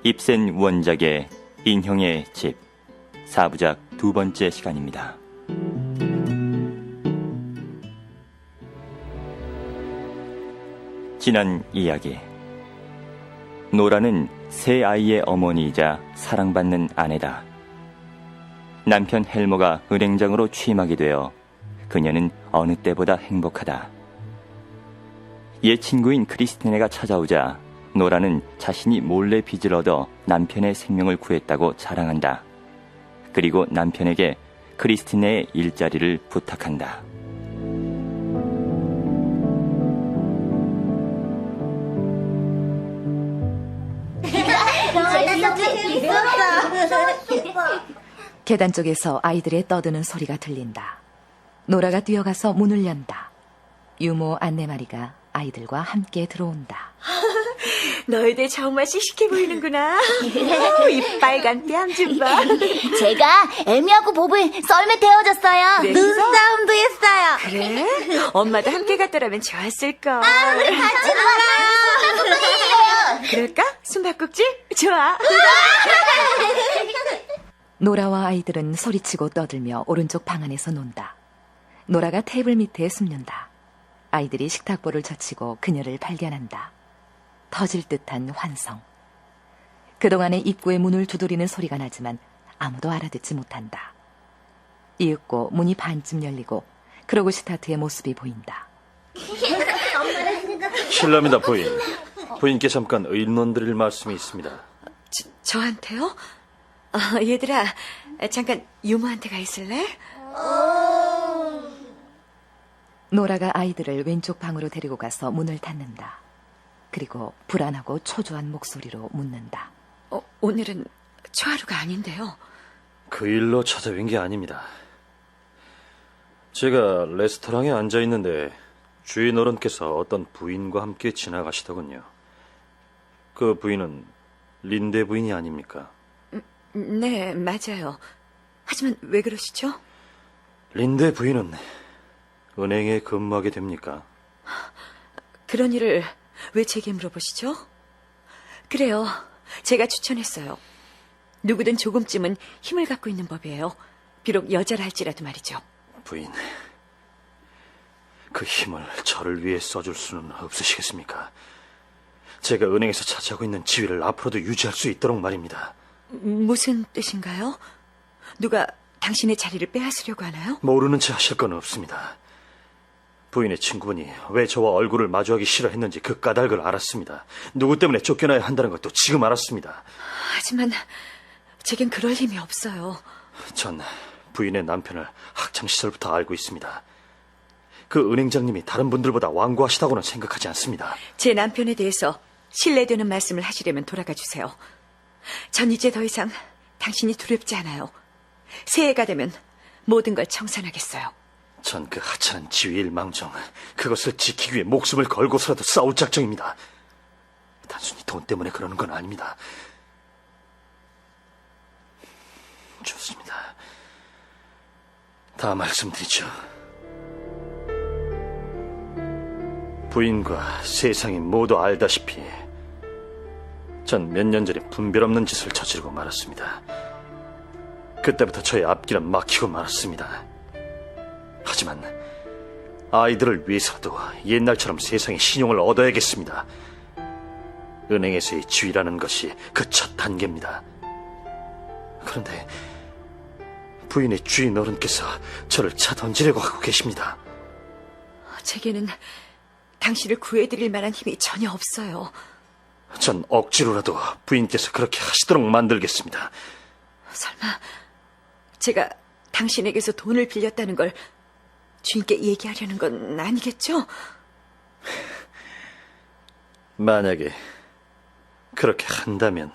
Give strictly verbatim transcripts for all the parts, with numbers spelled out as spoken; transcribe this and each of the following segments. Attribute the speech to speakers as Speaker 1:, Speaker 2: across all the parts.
Speaker 1: 입센 원작의 인형의 집 사부작 두 번째 시간입니다. 지난 이야기, 노라는 세 아이의 어머니이자 사랑받는 아내다. 남편 헬머가 은행장으로 취임하게 되어 그녀는 어느 때보다 행복하다. 옛 친구인 크리스티네가 찾아오자 노라는 자신이 몰래 빚을 얻어 남편의 생명을 구했다고 자랑한다. 그리고 남편에게 크리스티네의 일자리를 부탁한다.
Speaker 2: 계단 쪽에서 아이들의 떠드는 소리가 들린다. 노라가 뛰어가서 문을 연다. 유모 안내마리가 아이들과 함께 들어온다.
Speaker 3: 너희들 정말 씩씩해 보이는구나. 오, 이 빨간 뺨 좀 봐.
Speaker 4: 제가 에미하고 보블 썰매 태워줬어요.
Speaker 3: 그래,
Speaker 4: 눈싸움도 했어요.
Speaker 3: 그래? 엄마도 함께 갔더라면 좋았을걸.
Speaker 4: 아, 우리 같이 놀아요.
Speaker 3: 그럴까? 숨바꼭질? 좋아.
Speaker 2: 노라와 아이들은 소리치고 떠들며 오른쪽 방 안에서 논다. 노라가 테이블 밑에 숨는다. 아이들이 식탁보를 젖히고 그녀를 발견한다. 터질 듯한 환성. 그동안의 입구의 문을 두드리는 소리가 나지만 아무도 알아듣지 못한다. 이윽고 문이 반쯤 열리고 크로그시타트의 모습이 보인다.
Speaker 5: 실례합니다, 부인. 부인께 잠깐 의논 드릴 말씀이 있습니다.
Speaker 3: 저, 저한테요? 어, 얘들아, 잠깐 유모한테 가 있을래?
Speaker 2: 노라가 아이들을 왼쪽 방으로 데리고 가서 문을 닫는다. 그리고 불안하고 초조한 목소리로 묻는다.
Speaker 3: 어, 오늘은 초하루가 아닌데요.
Speaker 5: 그 일로 찾아뵌 게 아닙니다. 제가 레스토랑에 앉아 있는데 주인 어른께서 어떤 부인과 함께 지나가시더군요. 그 부인은 린데 부인이 아닙니까?
Speaker 3: 음, 네, 맞아요. 하지만 왜 그러시죠?
Speaker 5: 린데 부인은 은행에 근무하게 됩니까?
Speaker 3: 그런 일을 왜 제게 물어보시죠? 그래요, 제가 추천했어요. 누구든 조금쯤은 힘을 갖고 있는 법이에요. 비록 여자라 할지라도 말이죠.
Speaker 5: 부인, 그 힘을 저를 위해 써줄 수는 없으시겠습니까? 제가 은행에서 차지하고 있는 지위를 앞으로도 유지할 수 있도록 말입니다.
Speaker 3: 무슨 뜻인가요? 누가 당신의 자리를 빼앗으려고 하나요?
Speaker 5: 모르는 채 하실 건 없습니다. 부인의 친구분이 왜 저와 얼굴을 마주하기 싫어했는지 그 까닭을 알았습니다. 누구 때문에 쫓겨나야 한다는 것도 지금 알았습니다.
Speaker 3: 하지만 제겐 그럴 힘이 없어요.
Speaker 5: 전 부인의 남편을 학창시절부터 알고 있습니다. 그 은행장님이 다른 분들보다 완고하시다고는 생각하지 않습니다.
Speaker 3: 제 남편에 대해서 신뢰되는 말씀을 하시려면 돌아가 주세요. 전 이제 더 이상 당신이 두렵지 않아요. 새해가 되면 모든 걸 청산하겠어요.
Speaker 5: 전 그 하찮은 지위일망정 그것을 지키기 위해 목숨을 걸고서라도 싸울 작정입니다. 단순히 돈 때문에 그러는 건 아닙니다. 좋습니다. 다 말씀드리죠. 부인과 세상이 모두 알다시피 전 몇 년 전에 분별 없는 짓을 저지르고 말았습니다. 그때부터 저의 앞길은 막히고 말았습니다. 하지만 아이들을 위해서라도 옛날처럼 세상의 신용을 얻어야겠습니다. 은행에서의 지위라는 것이 그 첫 단계입니다. 그런데 부인의 주인 어른께서 저를 차 던지려고 하고 계십니다.
Speaker 3: 제게는 당신을 구해드릴 만한 힘이 전혀 없어요.
Speaker 5: 전 억지로라도 부인께서 그렇게 하시도록 만들겠습니다.
Speaker 3: 설마 제가 당신에게서 돈을 빌렸다는 걸 주인께 얘기하려는 건 아니겠죠?
Speaker 5: 만약에 그렇게 한다면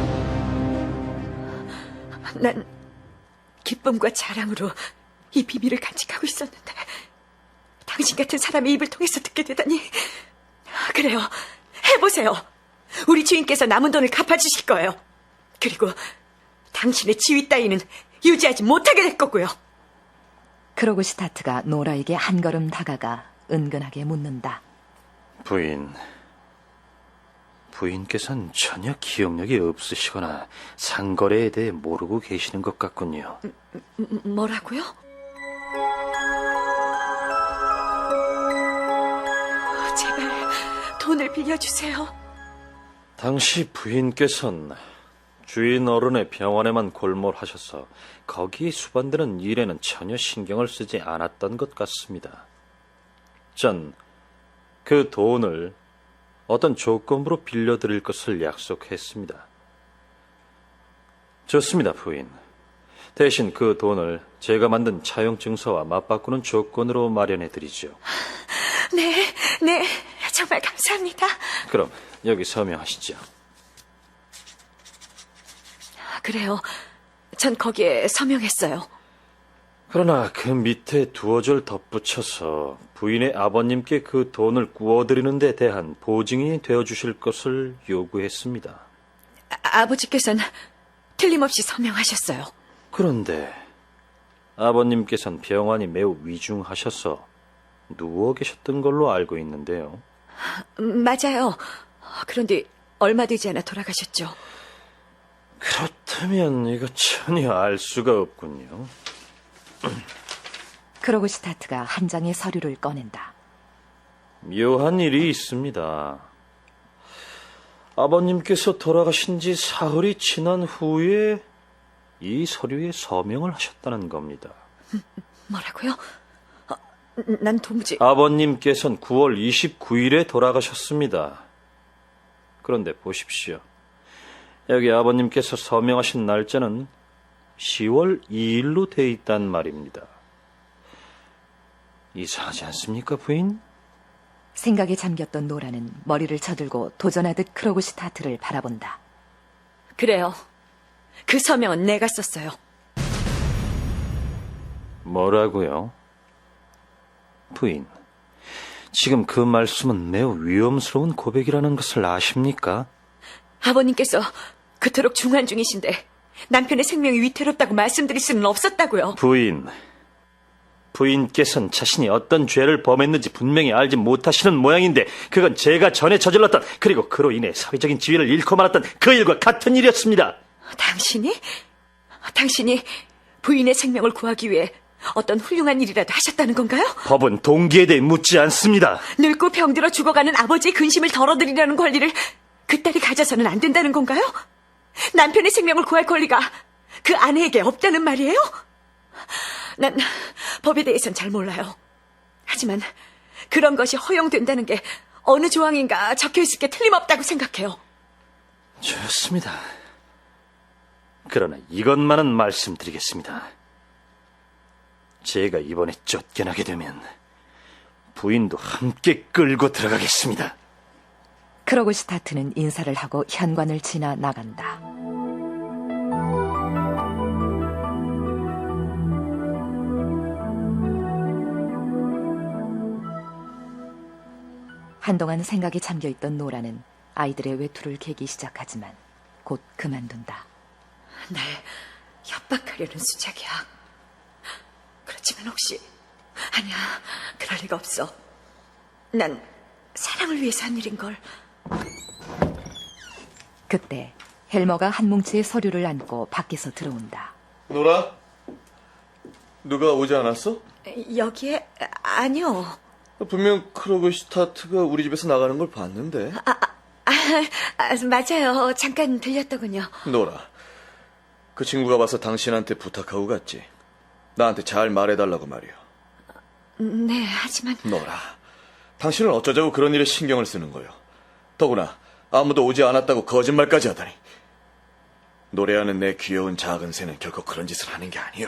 Speaker 3: 난 기쁨과 자랑으로 이 비밀을 간직하고 있었는데 당신 같은 사람의 입을 통해서 듣게 되다니. 그래요, 해보세요. 우리 주인께서 남은 돈을 갚아주실 거예요. 그리고 당신의 지위 따위는 유지하지 못하게 될 거고요.
Speaker 2: 크로그시타트가 노라에게 한 걸음 다가가 은근하게 묻는다.
Speaker 5: 부인, 부인께서는 전혀 기억력이 없으시거나 상거래에 대해 모르고 계시는 것 같군요.
Speaker 3: 음, 뭐라고요? 제발 돈을 빌려주세요.
Speaker 5: 당시 부인께서는 주인 어른의 병원에만 골몰하셔서 거기에 수반되는 일에는 전혀 신경을 쓰지 않았던 것 같습니다. 전 그 돈을 어떤 조건으로 빌려드릴 것을 약속했습니다. 좋습니다, 부인. 대신 그 돈을 제가 만든 차용 증서와 맞바꾸는 조건으로 마련해드리죠.
Speaker 3: 네, 네, 정말 감사합니다.
Speaker 5: 그럼 여기 서명하시죠.
Speaker 3: 그래요. 전 거기에 서명했어요.
Speaker 5: 그러나 그 밑에 두어 줄 덧붙여서 부인의 아버님께 그 돈을 구워드리는 데 대한 보증이 되어주실 것을 요구했습니다.
Speaker 3: 아, 아버지께서는 틀림없이 서명하셨어요.
Speaker 5: 그런데 아버님께서는 병환이 매우 위중하셔서 누워 계셨던 걸로 알고 있는데요.
Speaker 3: 음, 맞아요. 그런데 얼마 되지 않아 돌아가셨죠.
Speaker 5: 그렇다면 이거 전혀 알 수가 없군요.
Speaker 2: 크로그시타트가 한 장의 서류를 꺼낸다.
Speaker 5: 묘한 일이 있습니다. 아버님께서 돌아가신 지 사흘이 지난 후에 이 서류에 서명을 하셨다는 겁니다.
Speaker 3: 뭐라고요? 어, 난 도무지...
Speaker 5: 아버님께서는 구월 이십구일에 돌아가셨습니다. 그런데 보십시오. 여기 아버님께서 서명하신 날짜는 시월 이일로 돼 있단 말입니다. 이상하지 않습니까, 부인?
Speaker 2: 생각에 잠겼던 노라는 머리를 쳐들고 도전하듯 크로그시타트를 바라본다.
Speaker 3: 그래요. 그 서명은 내가 썼어요.
Speaker 5: 뭐라고요? 부인, 지금 그 말씀은 매우 위험스러운 고백이라는 것을 아십니까?
Speaker 3: 아버님께서 그토록 중환 중이신데 남편의 생명이 위태롭다고 말씀드릴 수는 없었다고요.
Speaker 5: 부인, 부인께서는 자신이 어떤 죄를 범했는지 분명히 알지 못하시는 모양인데 그건 제가 전에 저질렀던, 그리고 그로 인해 사회적인 지위를 잃고 말았던 그 일과 같은 일이었습니다.
Speaker 3: 당신이? 당신이 부인의 생명을 구하기 위해 어떤 훌륭한 일이라도 하셨다는 건가요?
Speaker 5: 법은 동기에 대해 묻지 않습니다.
Speaker 3: 늙고 병들어 죽어가는 아버지의 근심을 덜어드리려는 권리를 그 딸이 가져서는 안 된다는 건가요? 남편의 생명을 구할 권리가 그 아내에게 없다는 말이에요? 난 법에 대해선 잘 몰라요. 하지만 그런 것이 허용된다는 게 어느 조항인가 적혀있을 게 틀림없다고 생각해요.
Speaker 5: 좋습니다. 그러나 이것만은 말씀드리겠습니다. 제가 이번에 쫓겨나게 되면 부인도 함께 끌고 들어가겠습니다.
Speaker 2: 크로그시타트는 인사를 하고 현관을 지나 나간다. 한동안 생각에 잠겨있던 노라는 아이들의 외투를 개기 시작하지만 곧 그만둔다.
Speaker 3: 날 협박하려는 수작이야. 그렇지만 혹시... 아니야, 그럴 리가 없어. 난 사랑을 위해서 한 일인걸.
Speaker 2: 그때 헬머가 한 뭉치의 서류를 안고 밖에서 들어온다.
Speaker 6: 노라? 누가 오지 않았어?
Speaker 3: 여기에... 아니요.
Speaker 6: 분명 크로그시타트가 우리 집에서 나가는 걸 봤는데.
Speaker 3: 아, 아, 맞아요. 잠깐 들렸더군요.
Speaker 6: 노라, 그 친구가 와서 당신한테 부탁하고 갔지. 나한테 잘 말해달라고 말이야.
Speaker 3: 네, 하지만...
Speaker 6: 노라, 당신은 어쩌자고 그런 일에 신경을 쓰는 거요. 더구나 아무도 오지 않았다고 거짓말까지 하다니. 노래하는 내 귀여운 작은 새는 결코 그런 짓을 하는 게 아니요.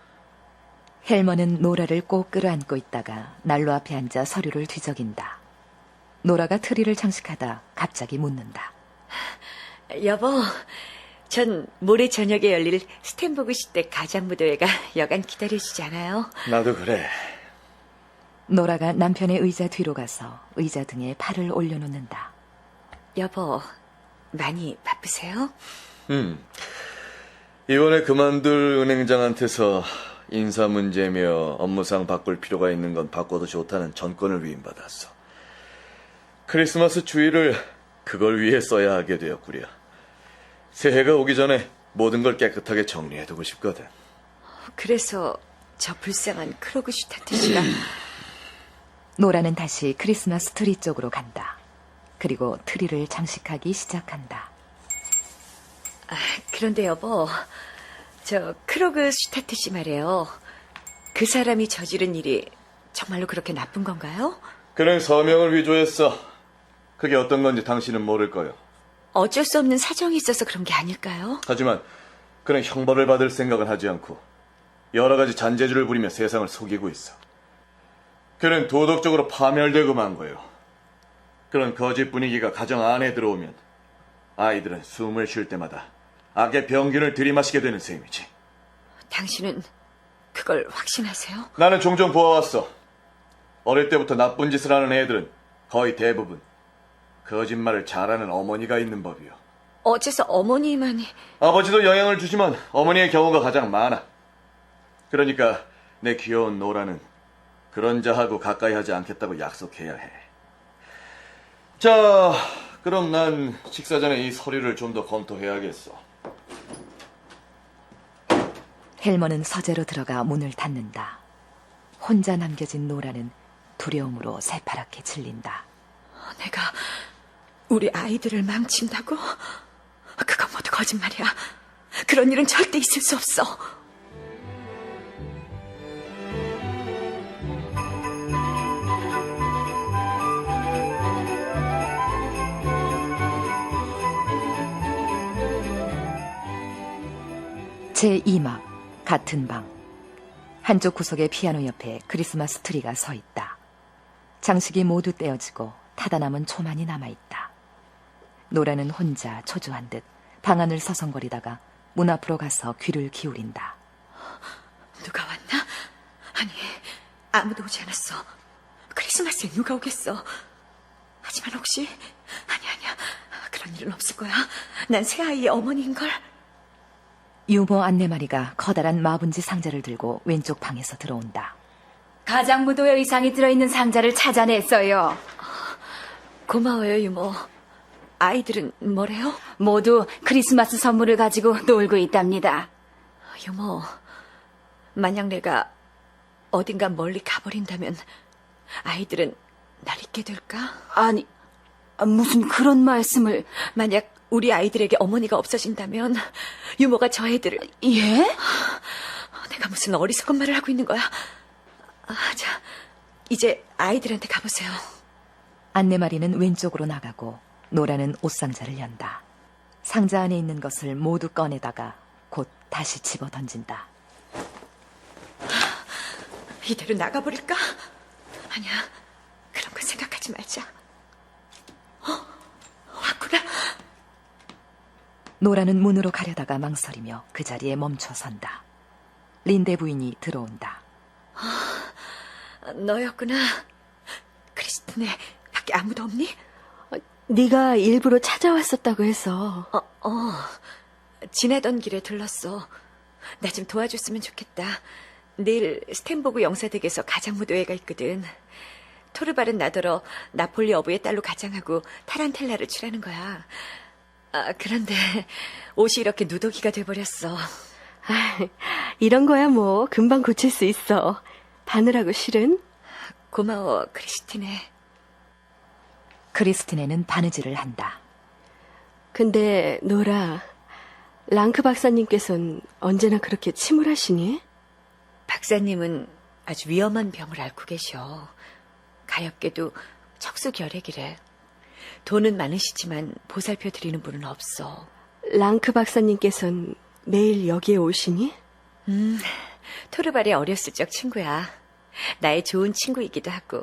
Speaker 2: 헬머는 노라를 꼭 끌어안고 있다가 난로 앞에 앉아 서류를 뒤적인다. 노라가 트리를 장식하다 갑자기 묻는다.
Speaker 3: 여보, 전 모레 저녁에 열릴 스탠보그 시대 가장무도회가 여간 기다려지지 않아요?
Speaker 6: 나도 그래.
Speaker 2: 노라가 남편의 의자 뒤로 가서 의자 등에 팔을 올려놓는다.
Speaker 3: 여보, 많이 바쁘세요?
Speaker 6: 음, 이번에 그만둘 은행장한테서 인사 문제며 업무상 바꿀 필요가 있는 건 바꿔도 좋다는 전권을 위임받았어. 크리스마스 주일을 그걸 위해 써야 하게 되었구려. 새해가 오기 전에 모든 걸 깨끗하게 정리해두고 싶거든.
Speaker 3: 그래서 저 불쌍한 크로그슈타트 씨가
Speaker 2: 노라는 다시 크리스마스 트리 쪽으로 간다. 그리고 트리를 장식하기 시작한다.
Speaker 3: 그런데 여보, 저 크로그슈타트 씨 말이에요. 그 사람이 저지른 일이 정말로 그렇게 나쁜 건가요?
Speaker 6: 그는 서명을 위조했어. 그게 어떤 건지 당신은 모를 거요.
Speaker 3: 어쩔 수 없는 사정이 있어서 그런 게 아닐까요?
Speaker 6: 하지만 그는 형벌을 받을 생각은 하지 않고 여러 가지 잔재주를 부리며 세상을 속이고 있어. 그는 도덕적으로 파멸되고 만 거예요. 그런 거짓 분위기가 가정 안에 들어오면 아이들은 숨을 쉴 때마다 악의 병균을 들이마시게 되는 셈이지.
Speaker 3: 당신은 그걸 확신하세요?
Speaker 6: 나는 종종 보아왔어. 어릴 때부터 나쁜 짓을 하는 애들은 거의 대부분 거짓말을 잘하는 어머니가 있는 법이요.
Speaker 3: 어째서 어머니만이...
Speaker 6: 아버지도 영향을 주지만 어머니의 경우가 가장 많아. 그러니까 내 귀여운 노라는 그런 자하고 가까이 하지 않겠다고 약속해야 해. 자, 그럼 난 식사 전에 이 서류를 좀 더 검토해야겠어.
Speaker 2: 헬머는 서재로 들어가 문을 닫는다. 혼자 남겨진 노라는 두려움으로 새파랗게 질린다.
Speaker 3: 내가 우리 아이들을 망친다고? 그건 모두 거짓말이야. 그런 일은 절대 있을 수 없어.
Speaker 2: 제이 막 같은 방. 한쪽 구석의 피아노 옆에 크리스마스 트리가 서 있다. 장식이 모두 떼어지고 타다 남은 초만이 남아있다. 노라는 혼자 초조한 듯 방 안을 서성거리다가 문 앞으로 가서 귀를 기울인다.
Speaker 3: 누가 왔나? 아니, 아무도 오지 않았어. 크리스마스에 누가 오겠어? 하지만 혹시... 아니, 아니야. 그런 일은 없을 거야. 난 새아이의 어머니인걸.
Speaker 2: 유모 안내마리가 커다란 마분지 상자를 들고 왼쪽 방에서 들어온다.
Speaker 4: 가장무도의 의상이 들어있는 상자를 찾아냈어요.
Speaker 3: 고마워요, 유모. 아이들은 뭐래요?
Speaker 4: 모두 크리스마스 선물을 가지고 놀고 있답니다.
Speaker 3: 유모, 만약 내가 어딘가 멀리 가버린다면 아이들은 날 잊게 될까?
Speaker 4: 아니, 무슨 그런 말씀을...
Speaker 3: 만약 우리 아이들에게 어머니가 없어진다면 유모가 저 애들을...
Speaker 4: 예?
Speaker 3: 내가 무슨 어리석은 말을 하고 있는 거야. 아, 자, 이제 아이들한테 가보세요.
Speaker 2: 안내마리는 왼쪽으로 나가고 노라는 옷상자를 연다. 상자 안에 있는 것을 모두 꺼내다가 곧 다시 집어 던진다.
Speaker 3: 이대로 나가버릴까? 아니야, 그런 건 생각하지 말자. 어? 왔구나.
Speaker 2: 노라는 문으로 가려다가 망설이며 그 자리에 멈춰 선다. 린데 부인이 들어온다.
Speaker 3: 너였구나. 크리스틴네, 밖에 아무도 없니?
Speaker 7: 네가 일부러 찾아왔었다고 해서.
Speaker 3: 어, 어. 지나던 길에 들렀어. 나 좀 도와줬으면 좋겠다. 내일 스탠보그 영사댁에서 가장무도회가 있거든. 토르발은 나더러 나폴리 어부의 딸로 가장하고 타란텔라를 출하는 거야. 아, 그런데 옷이 이렇게 누더기가 돼버렸어.
Speaker 7: 아, 이런 거야 뭐 금방 고칠 수 있어. 바느라고 실은.
Speaker 3: 고마워, 크리스티네.
Speaker 2: 크리스티네는 바느질을 한다.
Speaker 7: 근데 노라, 랑크 박사님께서는 언제나 그렇게 침울하시니?
Speaker 3: 박사님은 아주 위험한 병을 앓고 계셔. 가엾게도 척수결핵이래. 돈은 많으시지만 보살펴 드리는 분은 없어.
Speaker 7: 랑크 박사님께서는 매일 여기에 오시니?
Speaker 3: 음, 토르발의 어렸을 적 친구야. 나의 좋은 친구이기도 하고.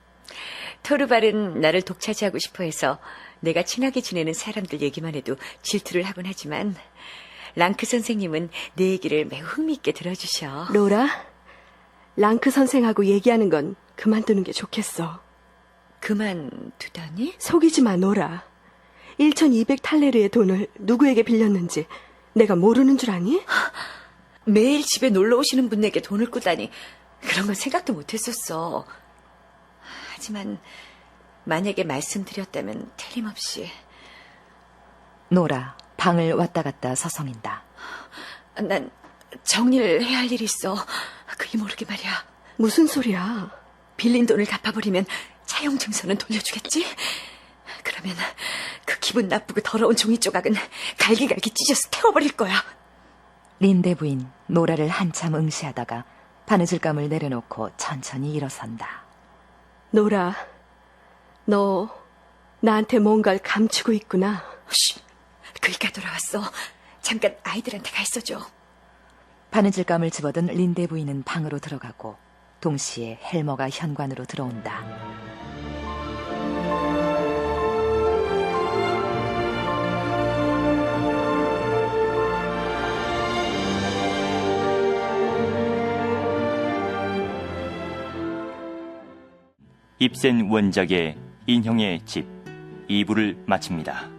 Speaker 3: 토르발은 나를 독차지하고 싶어 해서 내가 친하게 지내는 사람들 얘기만 해도 질투를 하곤 하지만 랑크 선생님은 내 얘기를 매우 흥미있게 들어주셔.
Speaker 7: 노라, 랑크 선생하고 얘기하는 건 그만두는 게 좋겠어.
Speaker 3: 그만두다니?
Speaker 7: 속이지 마, 노라. 천이백 탈레르의 돈을 누구에게 빌렸는지 내가 모르는 줄 아니?
Speaker 3: 매일 집에 놀러 오시는 분에게 돈을 꾸다니 그런 건 생각도 못했었어. 하지만 만약에 말씀드렸다면 틀림없이
Speaker 2: 노라 방을 왔다 갔다 서성인다.
Speaker 3: 난 정리를 해야 할 일이 있어. 그이 모르게 말이야.
Speaker 7: 무슨 소리야?
Speaker 3: 빌린 돈을 갚아버리면 차용 증서는 돌려주겠지? 그러면 그 기분 나쁘고 더러운 종이 조각은 갈기갈기 찢어서 태워버릴 거야.
Speaker 2: 린데 부인 노라를 한참 응시하다가 바느질감을 내려놓고 천천히 일어선다.
Speaker 7: 노라, 너 나한테 뭔가를 감추고 있구나.
Speaker 3: 쉿, 그이가 돌아왔어. 잠깐 아이들한테 가 있어줘.
Speaker 2: 바느질감을 집어든 린데 부인은 방으로 들어가고 동시에 헬머가 현관으로 들어온다.
Speaker 1: 입센 원작의 인형의 집 이 부를 마칩니다.